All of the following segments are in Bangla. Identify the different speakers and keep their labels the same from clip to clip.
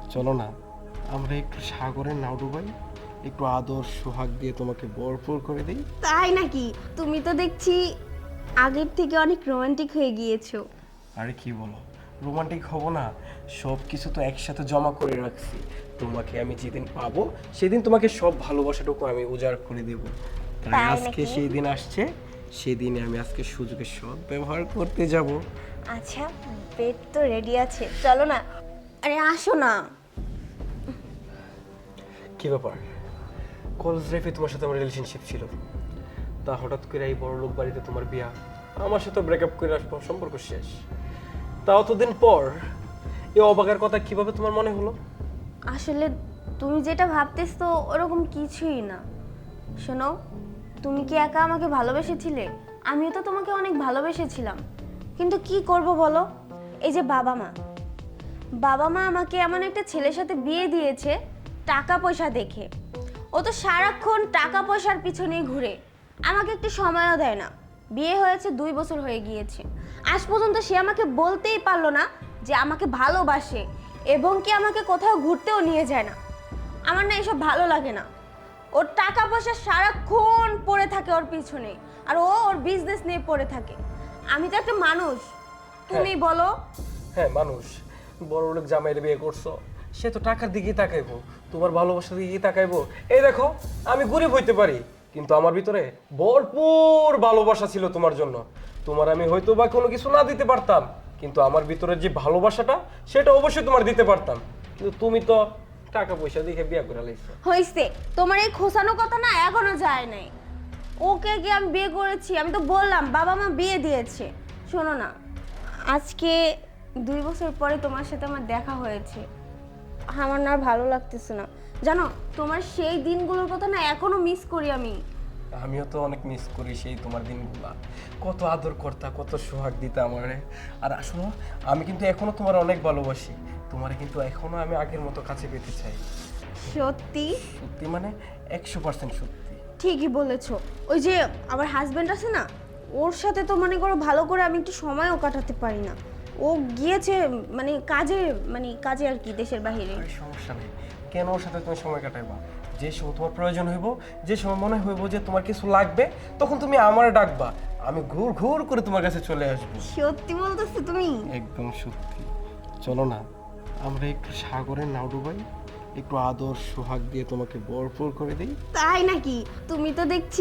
Speaker 1: চলো না আমরা একটু সাগরের নাও ডুবাই, একটু আদর সোহাগ দিয়ে তোমাকে ভরপুর করে দিই।
Speaker 2: তাই নাকি? তুমি তো দেখছি আগের থেকে অনেক রোমান্টিক হয়ে গিয়েছো।
Speaker 1: আরে কি বলো, রোমান্টিক হব না? সব কিছু তো একসাথে জমা করে রাখছি। তোমাকে আমি যেদিন পাবো সেদিন তোমাকে সব ভালোবাসাটুকু আমি উজাড় করে দেব। তাই
Speaker 2: তাই
Speaker 1: আজকে
Speaker 2: নাকি?
Speaker 1: সেই দিন আসছে, সেদিনে আমি আজকে সুযোগের সৎ ব্যবহার করতে যাব।
Speaker 2: আচ্ছা, বেড তো রেডি আছে, চলো না। আরে আসো না।
Speaker 1: কি ব্যাপার, কলেজ লাইফে তোমার সাথে আমার রিলেশনশিপ ছিল, তা হঠাৎ করে এই বড় লোক বাড়িতে তোমার বিয়া, আমার সাথে ব্রেকআপ করে আসবো, সম্পর্ক শেষ। তা অতদিন পর এই অবাকের কথা কিভাবে তোমার মনে হলো?
Speaker 2: আসলে তুমি যেটা ভাবতেছো ওরকম কিছুই না। শোনো, তুমি কি একা আমাকে ভালোবেসেছিলে? আমিও তো তোমাকে অনেক ভালোবেসেছিলাম, কিন্তু কি করব বলো, এই যে বাবা মা, বাবা মা আমাকে এমন একটা ছেলের সাথে বিয়ে দিয়েছে টাকা পয়সা দেখে। ও তো সারাক্ষণ টাকা পয়সার পিছনেই ঘুরে, আমাকে একটু সময়ও দেয় না। বিয়ে হয়েছে 2 বছর হয়ে গিয়েছে, আজ পর্যন্ত সে আমাকে বলতেই পারলো না যে আমাকে ভালোবাসে, এবং কি আমাকে কোথাও ঘুরতেও নিয়ে যায় না। আমার না এসব ভালো লাগে না। ওর টাকা পয়সা সারাক্ষণ পড়ে থাকে ওর পিছনে, আর ও ওর বিজনেস নিয়ে পড়ে থাকে। আমি তো একটা মানুষ, তুমি বলো।
Speaker 1: হ্যাঁ মানুষ, বড় লোক জামাইরে বিয়ে করছো, সে তো টাকার দিকেই তাকাইবো, তোমার ভালোবাসার দিকেই তাকাইবো। এই দেখো, আমি গরিব হইতে পারি, কিন্তু আমার ভিতরে ভরপুর ভালোবাসা ছিল তোমার জন্য। তোমার আমি হয়তো বা কোনো কিছু না দিতে পারতাম, কিন্তু আমার ভিতরে যে ভালোবাসাটা সেটা অবশ্যই তোমার দিতে পারতাম। কিন্তু তুমি তো টাকা পয়সা দেখে বিয়ে করে লাইছো।
Speaker 2: হইছে, তোমার এই খোসানো কথা না এখনো যায় নাই। ওকে কি আমি বিয়ে করেছি? আমি তো বললাম বাবা মা বিয়ে দিয়েছে। শোনো না, আজকে 2 বছর পরে তোমার সাথে আমার দেখা হয়েছে, আমার না আর ভালো লাগতেছে না। জানো, তোমার সেই দিনগুলোর কথা না এখনো মিস করি আমি।
Speaker 1: আমিও তো অনেক মিস করি সেই তোমার দিনগুলা, কত আদর করতা, কত সোহাগ দিতা আমারে। আর আসলে আমি কিন্তু এখনো তোমার অনেক ভালোবাসি, তোমারে কিন্তু এখনো আমি আগের মতো কাছে পেতে চাই।
Speaker 2: সত্যি?
Speaker 1: সত্যি মানে 100% সত্যি।
Speaker 2: ঠিকই বলেছো। ওই যে আমার হাজবেন্ড আছে না, ওর সাথে তো মনে করো ভালো করে আমি একটু সময়ও কাটাতে পারি না। ও গিয়েছে মানে কাজে, মানে কাজে আর কি, দেশের বাইরে।
Speaker 1: আরে সমস্যা নেই, কেন ওর সাথে তুমি সময় কাটাইবা? যে সময় তোমার প্রয়োজন হইব, যে সময় মনে হইব যে তোমার কিছু লাগবে, তখন তুমি আমারে ডাকবা, আমি ঘুর ঘুর করে তোমার কাছে চলে আসবো।
Speaker 2: সত্যি বলতেছো তুমি?
Speaker 1: একদম সত্যি। চলো না আমরা একটু সাগরের নাও ডুবাই, একটু আদর সোহাগ দিয়ে তোমাকে ভরপুর করে দিই।
Speaker 2: তাই নাকি? তুমি তো দেখছি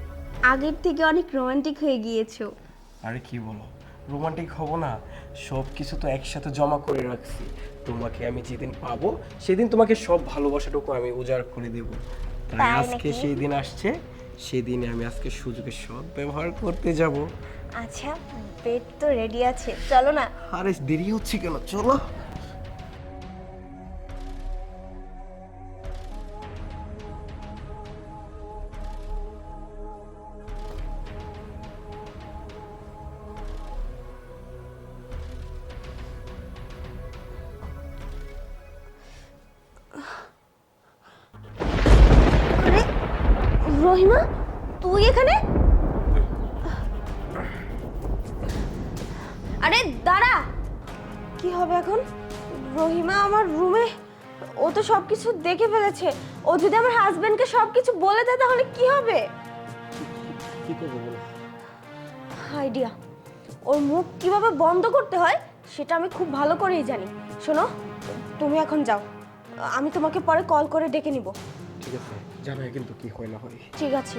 Speaker 2: আগের থেকে অনেক রোমান্টিক হয়ে গিয়েছো।
Speaker 1: আরে কি বলো, রোমান্টিক হব না? সব কিছু তো একসাথে জমা করে রাখছি। তোমাকে আমি যেদিন পাবো সেদিন তোমাকে সব ভালোবাসাটুকু আমি উজাড় করে দেব। তাই
Speaker 2: তাই
Speaker 1: আজকে
Speaker 2: নাকি?
Speaker 1: সেই দিন আসছে, সেদিনে আমি আজকে সুযোগের সৎ ব্যবহার করতে যাব।
Speaker 2: আচ্ছা, বেড তো রেডি আছে, চলো না।
Speaker 1: আরে দেরি হচ্ছে কেন, চলো।
Speaker 2: আরে রহিমা, তুই এখানে? আরে দাঁড়া, কি হবে এখন? রহিমা আমার রুমে, ও তো সবকিছু দেখে ফেলেছে। ও যদি আমার হাজবেন্ডকে সবকিছু বলে দেয় তাহলে কি হবে?
Speaker 1: কি করবো বলো?
Speaker 2: আইডিয়া, ওর মুখ কিভাবে বন্ধ করতে হয় সেটা আমি খুব ভালো করেই জানি। শোনো, তুমি এখন যাও, আমি তোমাকে পরে কল করে ডেকে নিব।
Speaker 1: ঠিক আছে, জানাই কিন্তু কি হয় না হয়।
Speaker 2: ঠিক আছে।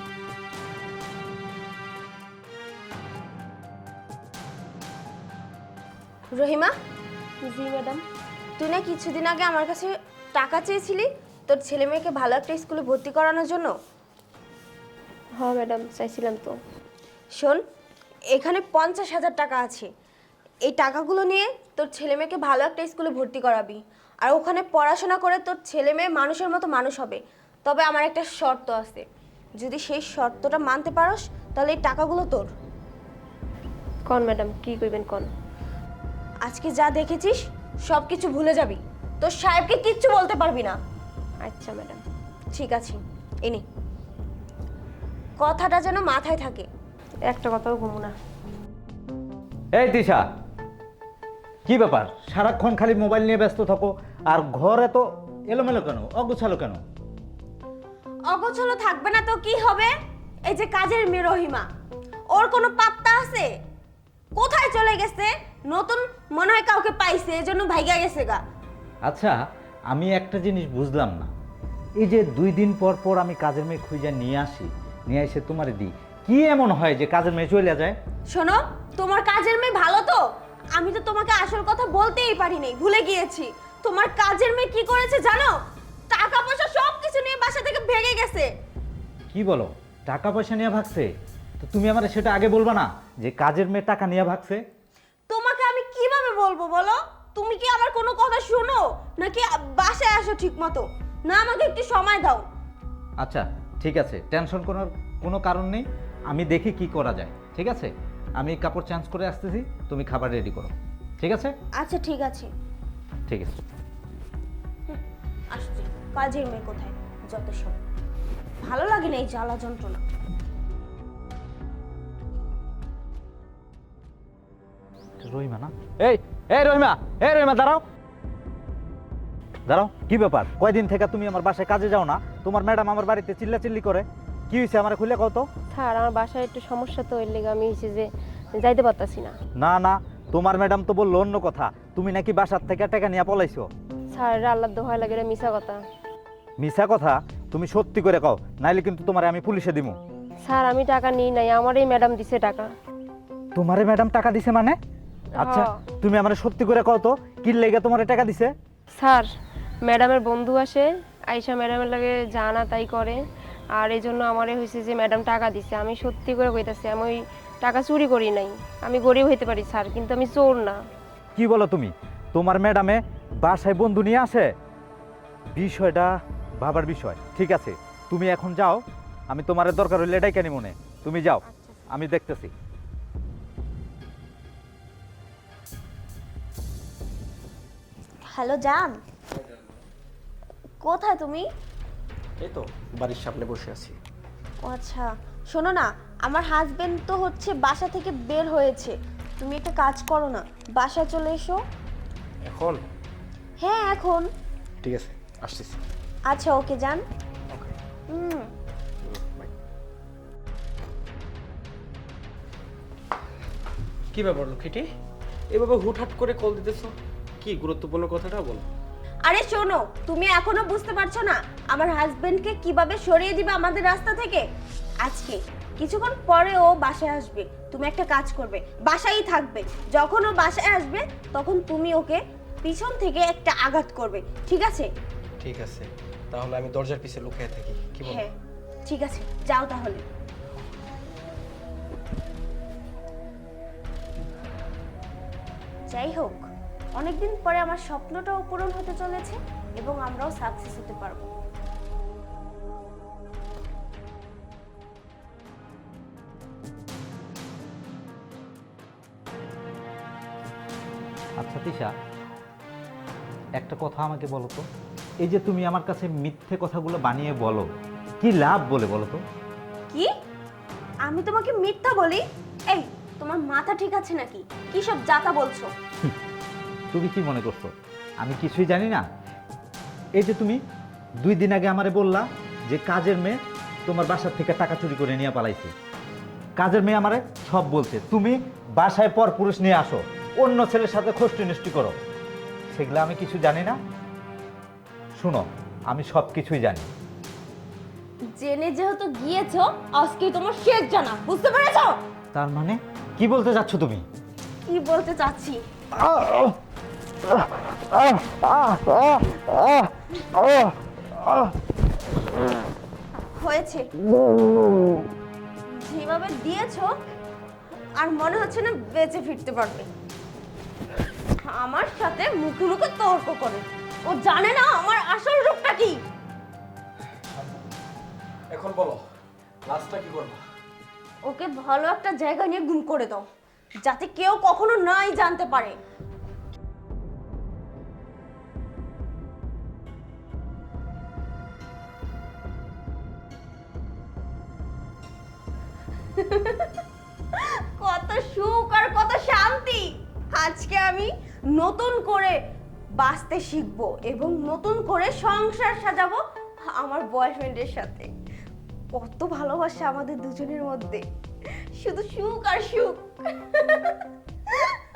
Speaker 2: রহিমা। জি ম্যাডাম। তুই না কিছুদিন আগে আমার কাছে টাকা চেয়েছিলি তোর ছেলে মেয়েকে ভালো একটা স্কুলে ভর্তি করানোর জন্য?
Speaker 3: হ্যাঁ ম্যাডাম, চাইছিলাম তো।
Speaker 2: শোন, এখানে 50,000 টাকা আছে। এই টাকাগুলো নিয়ে তোর ছেলে মেয়েকে ভালো একটা স্কুলে ভর্তি করাবি, আর ওখানে পড়াশোনা করে তোর ছেলে মেয়ে মানুষের মতো মানুষ হবে। তবে আমার একটা শর্ত আছে, যদি সেই শর্তটা মানতে পারোস তাহলে এই টাকাগুলো তোর।
Speaker 3: কন ম্যাডাম, কি কইবেন কন?
Speaker 2: আজকে যা দেখেছিস সব কিছু ভুলে যাবি, তোর সাহেবকে কিচ্ছু বলতে পারবি না।
Speaker 3: আচ্ছা ম্যাডাম।
Speaker 2: ঠিক আছে, এনে কথাটা যেন মাথায় থাকে।
Speaker 3: একটা কথাও ঘুমো না।
Speaker 4: এই তিশা, কি ব্যাপার, সারাক্ষণ খালি মোবাইল নিয়ে ব্যস্ত থাকো, আর ঘরে তো এলোমেলো কেন, অগোছালো কেন?
Speaker 2: অগোছলো থাকবে না তো কি হবে? এই যে কাজের মেয়ে রহিমা, ওর কোনো পাত্তা আছে? কোথায় চলে গেছে? নতুন মনে হয় কাউকে পাইছে, এজন্য ভাইগা গেছে গা।
Speaker 4: আচ্ছা, আমি একটা জিনিস বুঝলাম না, এই যে 2 দিন পর পর আমি কাজের মেয়ে খুঁজে নিয়ে আসি, নিয়ে এসে তোমারে দিই, কি এমন হয় যে কাজের মেয়ে চলে যায়?
Speaker 2: শোনো, তোমার কাজের মেয়ে ভালো তো? আমি তো তোমাকে আসল কথা বলতেই পারি নাই, ভুলে গিয়েছি। তোমার কাজের মেয়ে কি করেছে জানো? টাকা পয়সা সব কিছু নিয়ে বাসা থেকে ভেগে গেছে।
Speaker 4: কি বলো, টাকা পয়সা নিয়ে ভাগছে? তো তুমি আমার সেটা আগে বলবা না যে কাজের মেয়ে টাকা নিয়ে ভাগছে?
Speaker 2: তোমাকে আমি কিভাবে বলবো বলো? তুমি কি আমার কোনো কথা শোনো নাকি বাসায় আসো ঠিক মতো? না, আমাকে একটু সময় দাও।
Speaker 4: আচ্ছা ঠিক আছে, টেনশন করার কোনো কারণ নেই, আমি দেখি কি করা যায়। ঠিক আছে, আমি কাপড় চেঞ্জ করে আসতেছি, তুমি খাবার রেডি করো। ঠিক আছে?
Speaker 2: আচ্ছা ঠিক আছে,
Speaker 4: ঠিক আছে।
Speaker 2: আসছি। কাজের মেয়ে কোথায়? যত সব ভালো লাগে না এই জ্বালা যন্ত্রণা।
Speaker 4: রহিমা না? এই এই রহিমা, এই রহিমা দাঁড়াও, দাঁড়াও। কি ব্যাপার, কয়দিন থেকে তুমি আমার বাসায় কাজে যাও না? তোমার ম্যাডাম আমার বাড়িতে চিল্লাচিল্লি করে, কি হয়েছে আমার খুলে কও তো।
Speaker 3: স্যার আমার বাসায় একটু সমস্যা তো, এর লেগে আমি হচ্ছে যে যাইতে পারতাছি না।
Speaker 4: না না, তোমার ম্যাডাম তো বললো অন্য কথা, তুমি নাকি বাসার থেকে টাকা নিয়ে পলাইছো।
Speaker 3: স্যার আল্লাহ দোহাই লাগে, এটা মিছা কথা।
Speaker 4: মিছা কথা? তুমি সত্যি করে কও, নাইলে কিন্তু তোমারে আমি পুলিশে দিমু।
Speaker 3: স্যার আমি টাকা নিই নাই, আমারই ম্যাডাম দিছে টাকা।
Speaker 4: তোমারে ম্যাডাম টাকা দিছে মানে? আচ্ছা
Speaker 3: হ্যাঁ।
Speaker 4: তুমি আমারে সত্যি করে কও তো, কি লেগে তোমারে টাকা দিছে?
Speaker 3: স্যার ম্যাডামের বন্ধু আসে, আয়শা ম্যাডামের লাগে জানা তাই করে, আর এই জন্য আমারে হয়েছে যে ম্যাডাম টাকা দিছে। আমি সত্যি করে কইতাছি, আমি ওই টাকা চুরি করি নাই। আমি গরিব হইতে পারি স্যার, কিন্তু আমি চোর না।
Speaker 4: কি বলো তুমি? তোমার ম্যাডামে বাসায় বন্ধু নিয়ে আসে? বিষয়টা ভাবার বিষয়। ঠিক আছে, তুমি এখন যাও, আমি তোমার দরকার হইলে এটাই কেন মনে, তুমি যাও, আমি দেখতেছি।
Speaker 2: হ্যালো জান, কোথায় তুমি?
Speaker 1: এই তো বাড়ির সামনে বসে আছি।
Speaker 2: ও আচ্ছা, শোনো না, আমার হাজবেন্ড তো হচ্ছে বাসা থেকে বের হয়েছে। তুমি একটা কাজ করো না, বাসায় চলে এসো।
Speaker 1: এখন?
Speaker 2: হ্যাঁ এখন।
Speaker 1: ঠিক আছে, আসতেছি।
Speaker 2: আচ্ছা ওকে যান।
Speaker 1: ওকে,
Speaker 2: হুম।
Speaker 1: বাই। কি ব্যাপার লক্ষ্মীটি, এভাবে হুটহাট করে কল দিতেছো? কি গুরুত্বপূর্ণ কথাটা বলো।
Speaker 2: আরে শোনো, তুমি এখনো বুঝতে পারছো না আমার হাজবেন্ডকে কিভাবে সরিয়ে দিবে আমাদের রাস্তা থেকে? আজকে কিছুক্ষণ পরে ও বাসায় আসবে, তুমি একটা কাজ করবে, বাসায়ই থাকবে। যখন ও বাসায় আসবে তখন তুমি ওকে পিছন থেকে একটা আঘাত করবে, ঠিক আছে?
Speaker 1: ঠিক আছে, তাহলে আমি দরজার পিছে লুকিয়ে থাকি, কি বলো?
Speaker 2: হ্যাঁ ঠিক আছে, যাও তাহলে। যাই হোক, অনেকদিন পরে আমার স্বপ্নটাও পূরণ হতে চলেছে এবং আমরাও সাকসেস হতে পারবো।
Speaker 4: আচ্ছা তিশা, একটা কথা আমাকে বলো তো, এই যে তুমি আমার কাছে মিথ্যে কথাগুলো বানিয়ে বলো, কি লাভ বলে বলো তো?
Speaker 2: কি? আমি তোমাকে মিথ্যা বলি? এই, তোমার মাথা ঠিক আছে নাকি? কি সব যাতা বলছো?
Speaker 4: তুমি কি মনে করছো আমি কিছুই জানি না? এই যে তুমি 2 দিন আগে আমারে বললা যে কাজের মেয়ে তোমার বাসার থেকে টাকা চুরি করে নিয়ে পালাইছে, কাজের মেয়ে আমারে সব বলছে, তুমি বাসায় পর পুরুষ নিয়ে আসো, অন্য ছেলের সাথে খষ্টি নষ্টি করো, সেগুলো আমি কিছু জানি না। শুনো, আমি সব কিছুই জানি।
Speaker 2: জেনে যেহেতু গিয়েছো, আজকে তোমার শেষ জানা, বুঝতে পেরেছো?
Speaker 4: তার মানে কি বলতে যাচ্ছ তুমি?
Speaker 2: কি বলতে চাচ্ছি? হয়েছে, যেভাবে দিয়েছো আর মনে হচ্ছে না বেঁচে ফিরতে পারবে। আমার সাথে মুখে মুখে তর্ক করে, ও জানে না আমার আসল রূপটা কি।
Speaker 1: এখন বলো, লাস্টটা কি করবা?
Speaker 2: ওকে ভালো একটা জায়গা নিয়ে গুম করে দাও, যাতে কেউ কখনো নাই জানতে পারে। কত সুখ আর কত শান্তি! আজকে আমি নতুন করে বাঁচতে শিখবো এবং নতুন করে সংসার সাজাবো আমার বয়ফ্রেন্ডের সাথে। কত ভালোবাসা আমাদের দুজনের মধ্যে, শুধু সুখ আর সুখ।